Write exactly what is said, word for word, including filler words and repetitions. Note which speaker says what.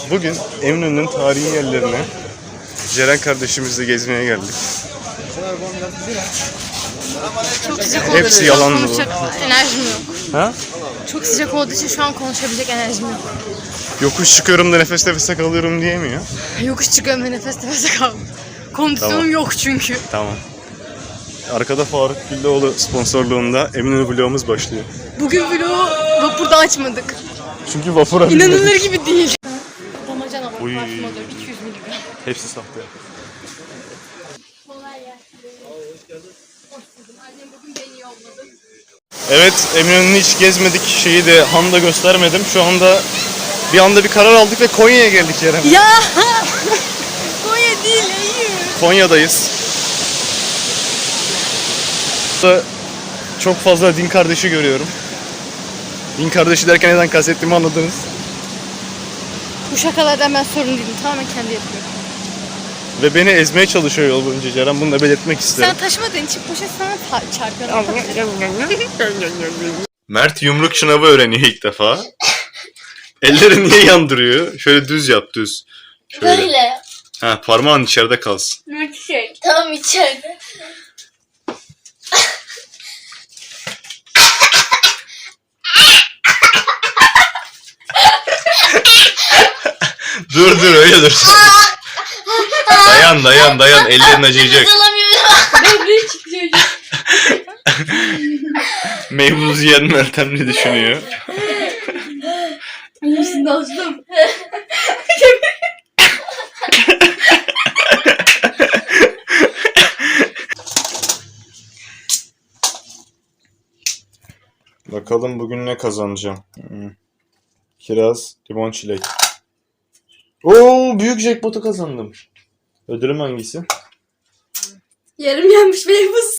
Speaker 1: Bugün Eminönü'nün tarihi yerlerine Ceren kardeşimizle gezmeye geldik.
Speaker 2: Çok sıcak olduğu
Speaker 1: Hepsi
Speaker 2: için
Speaker 1: yalan mı?
Speaker 2: konuşacak enerjim yok.
Speaker 1: Ha?
Speaker 2: Çok sıcak olduğu için şu an konuşabilecek enerjim yok.
Speaker 1: Yokuş çıkıyorum da nefes nefese kalıyorum diyemiyor.
Speaker 2: Yokuş çıkıyorum ve nefes nefese kaldım. Kondisyonum
Speaker 1: Tamam.
Speaker 2: yok çünkü.
Speaker 1: Tamam. Arkada Faruk Güllüoğlu sponsorluğunda Eminönü vlogumuz başlıyor.
Speaker 2: Bugün vlogu vapurda açmadık.
Speaker 1: Çünkü vapura
Speaker 2: İnanılır
Speaker 1: binmedik.
Speaker 2: gibi değil. Damacana var,
Speaker 1: Uy.
Speaker 2: parfüm alıyor iki yüz miligram.
Speaker 1: Hepsi sahte.
Speaker 2: Kolay gelsin. Hoş buldum. Annem bugün beni yolladı.
Speaker 1: Evet, Eminönü'nü hiç gezmedik. Şeyi de Han'da göstermedim. Şu anda bir anda bir karar aldık ve Konya'ya geldik Ceren.
Speaker 2: Ya! Konya değil, hayır.
Speaker 1: Konya'dayız. Burada çok fazla din kardeşi görüyorum. Din kardeşi derken neden kastettiğimi anladınız.
Speaker 2: Bu şakalardan ben sorun değilim. Tamamen kendi yapıyorum.
Speaker 1: Ve beni ezmeye çalışıyor yol boyunca Ceren. Bunu da belirtmek isterim.
Speaker 2: Sen taşımadığın için poşet sana ta- çarpıyor.
Speaker 1: Mert yumruk şınavı öğreniyor ilk defa. Elleri niye yandırıyor? Şöyle düz yap, düz. Şöyle.
Speaker 3: Böyle.
Speaker 1: Ha, parmağın içeride kalsın.
Speaker 3: Milkshake. Tam içeride.
Speaker 1: Dur dur öyle dur. dayan dayan dayan ellerin acıyacak.
Speaker 3: Alamıyorum. Ne çıkacak?
Speaker 1: Meybuz yiyen Meltem ne düşünüyor?
Speaker 3: İyisin dostum.
Speaker 1: Bakalım bugün ne kazanacağım. Hmm. Kiraz, limon, çilek. Oo, büyük jackpot'u kazandım. Ödülüm hangisi?
Speaker 3: Yarım yanmış meybuz.